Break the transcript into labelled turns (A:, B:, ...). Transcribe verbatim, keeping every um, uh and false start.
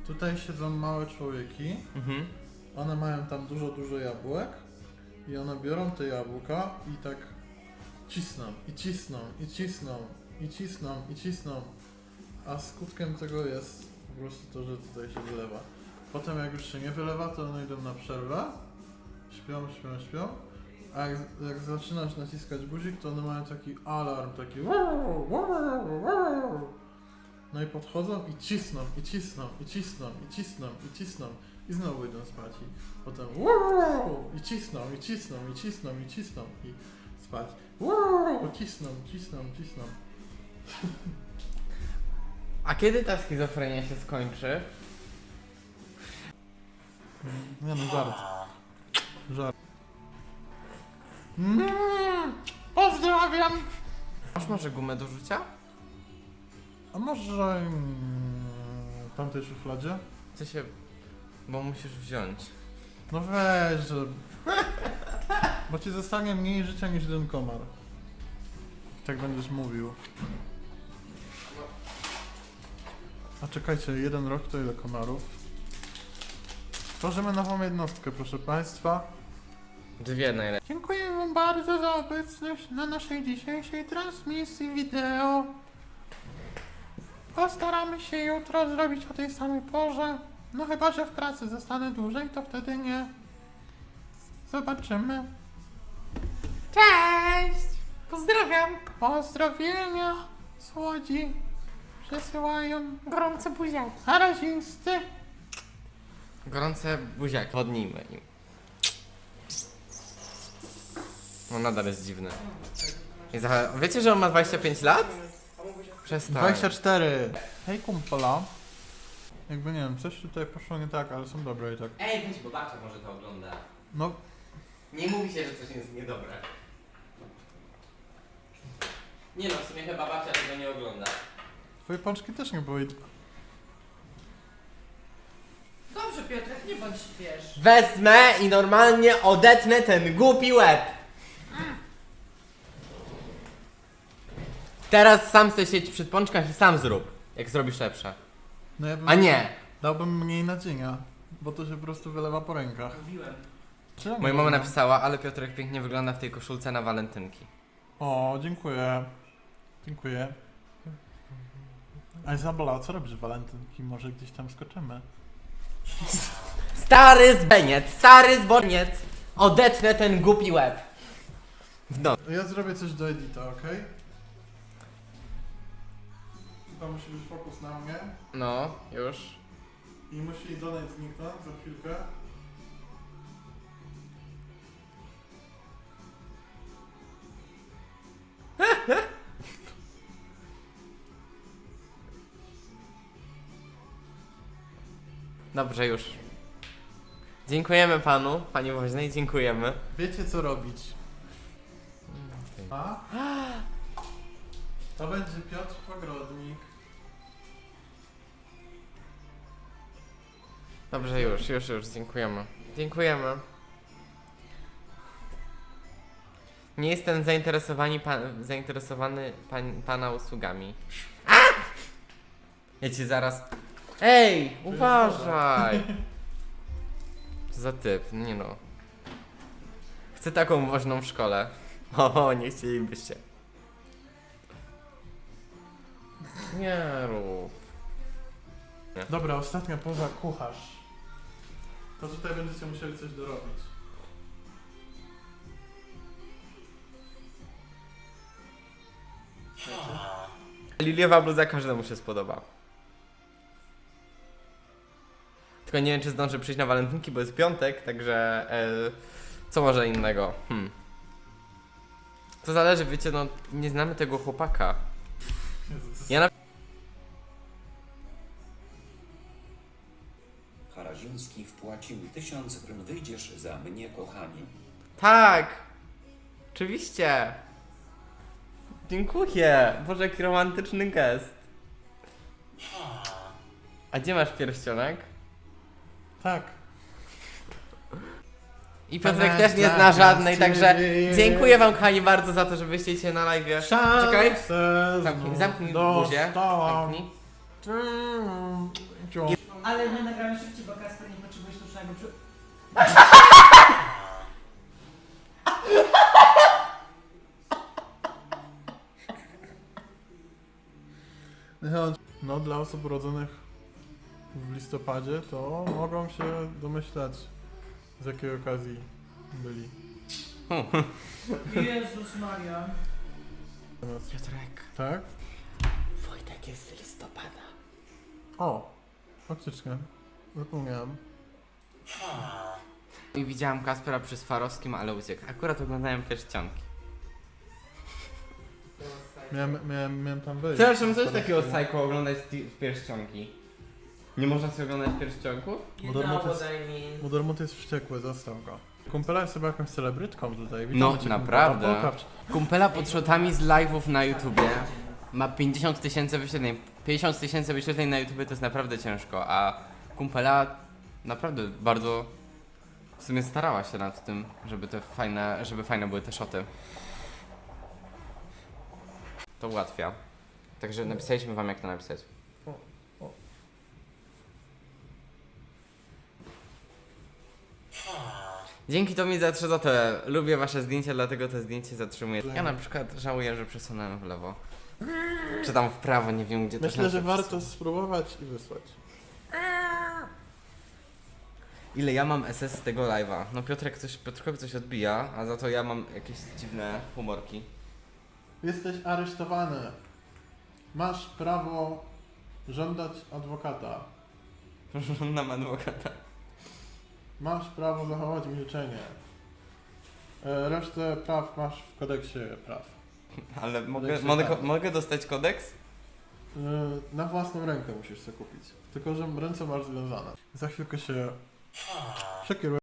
A: Tutaj siedzą małe człowieki.
B: Mhm.
A: One mają tam dużo, dużo jabłek. I one biorą te jabłka i tak cisną, i cisną, i cisną, i cisną, i cisną. A skutkiem tego jest po prostu to, że tutaj się wylewa. Potem jak już się nie wylewa, to one idą na przerwę. Śpią, śpią, śpią. A jak, jak zaczynasz naciskać guzik, to one mają taki alarm, taki no i podchodzą i cisną, i cisną, i cisną, i cisną, i cisną. I znowu idą spać i potem i cisną, i cisną, i cisną, i cisną i spać. I cisną, cisną, cisną.
B: A kiedy ta schizofrenia się skończy?
A: Nie no, żart. Żart. Mm, pozdrawiam!
B: Masz może gumę do rzucia?
A: A może mm, w tamtej szufladzie?
B: Chcę się... Bo musisz wziąć.
A: No weź, że... Bo ci zostanie mniej życia niż jeden komar. Tak będziesz mówił. A czekajcie, jeden rok to ile komarów? Tworzymy nową jednostkę, proszę państwa.
B: Dwie najlepiej.
A: Dziękuję wam bardzo za obecność na naszej dzisiejszej transmisji wideo. Postaramy się jutro zrobić o tej samej porze. No chyba, że w pracy zostanę dłużej, to wtedy nie. Zobaczymy.
C: Cześć! Pozdrawiam!
A: Pozdrowienia z Łodzi przesyłają
C: Gorące buziaki.
A: razinsty.
B: Gorące buziaki. Wodnijmy im. No nadal jest dziwny. I za... Wiecie, że on ma dwadzieścia pięć lat? Przestań.
A: dwadzieścia cztery. Hej kumpala. Jakby nie wiem, coś tutaj poszło nie tak, ale są dobre i tak.
B: Ej, weź, bo babcia może to ogląda.
A: No,
B: Nie mówi się, że coś jest niedobre. Nie no, w sumie chyba babcia tego nie ogląda.
A: twoje pączki też nie były.
C: Dobrze, Piotrek, nie bądź wiesz.
B: Wezmę i normalnie odetnę ten głupi łeb. Teraz sam chcę siedzieć przy pączkach i sam zrób, jak zrobisz lepsze.
A: No ja bym
B: A nie!
A: Dałbym mniej nadzienia, bo to się po prostu wylewa po rękach.
C: Mówiłem.
A: Czemu?
B: Moja mama napisała, ale Piotrek pięknie wygląda w tej koszulce na walentynki.
A: O, dziękuję. Dziękuję. A Izabela, co robisz w walentynki? Może gdzieś tam skoczymy?
B: Stary zbeniec, stary zboniec! Odetnę ten głupi łeb. No.
A: Ja zrobię coś do edita, okej? Chyba musi być fokus na mnie.
B: No, już.
A: I musi donate zniknąć za chwilkę.
B: Dobrze, już. Dziękujemy panu, pani woźnej, dziękujemy.
A: Wiecie co robić. A? To będzie Piotr Pogrodnik.
B: Dobrze, już, już, już, dziękujemy. Dziękujemy. Nie jestem zainteresowani pan, zainteresowany pan, pana usługami. A! Ja ci zaraz... Ej, uważaj! Co za typ, nie no. Chcę taką woźną w szkole. O, nie chcielibyście. Nie rób.
A: Dobra, ostatnia poza kucharz. To tutaj będziecie musieli coś dorobić.
B: Liliowa bluza każdemu się spodoba. Tylko nie wiem, czy zdążę przyjść na walentynki, bo jest piątek, także e, co może innego? Hmm. To zależy, wiecie, no nie znamy tego chłopaka.
A: Jezus.
B: Ja na...
D: Haraziński wpłacił tysiąc prym, wyjdziesz za mnie, kochanie.
B: Tak! Oczywiście! Dziękuję! Boże, jaki romantyczny gest. A gdzie masz pierścionek?
A: Tak.
B: I Piotrek też nie zna żadnej, także dziękuję wam kochani bardzo za to, że wyście na live. Czekaj! Zamknij, zamknij buzię.
A: Dostałam.
B: Zamknij.
A: Mm,
E: ale my nagramy szybciej, bo Kasper nie potrzebuje sztucznego przy...
A: No, dla osób urodzonych w listopadzie to mogą się domyślać, z jakiej okazji byli.
E: Jezus Maria.
B: Piotrek,
A: Tak?
B: Wojtek jest z listopada.
A: O, faktycznie. Zapomniałem.
B: I widziałam Kaspera przy Swarowskim, ale uciekł. Akurat oglądałem pierścionki.
A: Miałem, miałem, miałem tam wejść.
B: Przepraszam, co jest takiego psycho oglądać ti- pierścionki? Nie można sobie oglądać pierścionków?
A: Modermot jest,
B: I mean.
A: Modermot jest wściekły, zostaw go. Kumpela jest chyba jakąś celebrytką tutaj. Witamy
B: No,
A: cię, kumpela.
B: naprawdę.
A: Pokaż.
B: Kumpela pod shotami z live'ów na YouTubie ma pięćdziesiąt tysięcy wyświetleń. pięćdziesiąt tysięcy wyświetleń na YouTubie to jest naprawdę ciężko, a kumpela naprawdę bardzo w sumie starała się nad tym, żeby te fajne, żeby fajne były te shoty. To ułatwia. Także napisaliśmy wam jak to napisać. Dzięki Tomi za trzy złote. Lubię wasze zdjęcia, dlatego to zdjęcie zatrzymuję. Ja na przykład żałuję, że przesunąłem w lewo. Czy tam w prawo, nie wiem gdzie to
A: Myślę, że
B: znaczy
A: warto
B: przesunąć.
A: spróbować i wysłać.
B: Ile ja mam S S z tego live'a? No Piotrek coś, Piotrkowi coś odbija, a za to ja mam jakieś dziwne humorki.
A: Jesteś aresztowany. Masz prawo żądać adwokata.
B: Żądam adwokata.
A: Masz prawo zachować milczenie. E, Resztę praw masz w kodeksie praw.
B: Ale mogę,
A: Kodeksie
B: mogę,
A: prawa.
B: mogę dostać kodeks?
A: E, Na własną rękę musisz sobie kupić. Tylko, że ręce masz związane. Za chwilkę się przekieruję.